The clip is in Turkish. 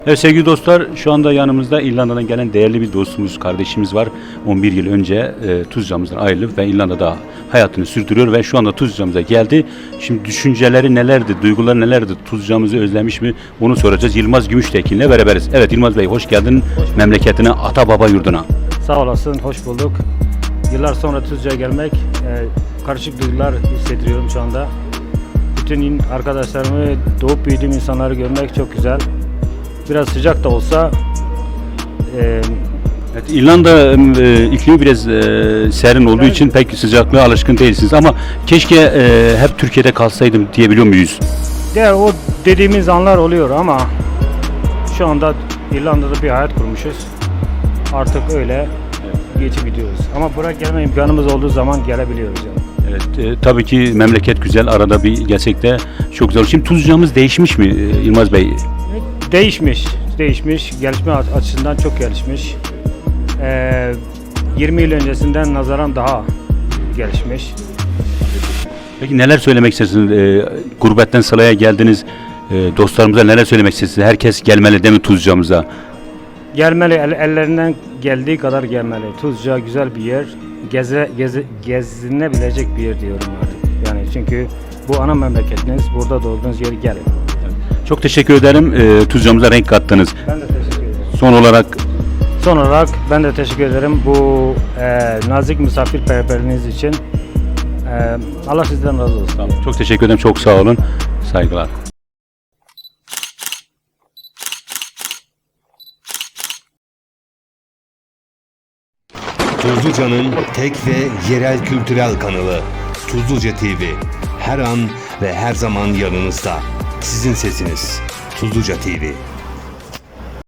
Evet sevgili dostlar, şu anda yanımızda İrlanda'dan gelen değerli bir dostumuz, kardeşimiz var. 11 yıl önce Tuzca'mızdan ayrılıp ve İrlanda'da hayatını sürdürüyor ve şu anda Tuzca'mıza geldi. Şimdi düşünceleri nelerdi, duyguları nelerdi, Tuzca'mızı özlemiş mi onu soracağız. Yılmaz Gümüştekin'le beraberiz. Evet Yılmaz Bey, hoş geldin memleketine, ata baba yurduna. Sağ olasın, hoş bulduk. Yıllar sonra Tuzca'ya gelmek, karışık duygular hissediyorum şu anda. Bütün arkadaşlarımı, doğup büyüdüğüm insanları görmek çok güzel. Biraz sıcak da olsa. Evet, İrlanda iklimi biraz serin olduğu için pek sıcaklığa alışkın değilsiniz ama keşke hep Türkiye'de kalsaydım diyebiliyor muyuz? O dediğimiz anlar oluyor ama şu anda İrlanda'da bir hayat kurmuşuz. Artık öyle geçip gidiyoruz. Ama buraya gelme imkanımız olduğu zaman gelebiliyoruz yani. Evet, tabii ki memleket güzel, arada bir gerçekte çok güzel. Şimdi Tuzca'mız değişmiş mi Yılmaz Bey? Değişmiş. Gelişme açısından çok gelişmiş. 20 yıl öncesinden nazaran daha gelişmiş. Peki neler söylemek istersiniz? Gurbetten Sıla'ya geldiniz. Dostlarımıza neler söylemek istersiniz? Herkes gelmeli değil mi Tuzca'mıza? Gelmeli, ellerinden geldiği kadar gelmeli. Tuzca güzel bir yer. Gezinebilecek bir yer diyorum artık. Yani çünkü bu ana memleketiniz, burada doğduğunuz yeri gelin. Çok teşekkür ederim. Tuzca'mıza renk kattınız. Ben de teşekkür ederim. Son olarak ben de teşekkür ederim bu nazik misafirperverliğiniz için. Allah sizden razı olsun. çok teşekkür ederim. Çok sağ olun. Saygılar. Tuzluca'nın tek ve yerel kültürel kanalı Tuzluca TV. Her an ve her zaman yanınızda. Sizin sesiniz. Tuzluca TV.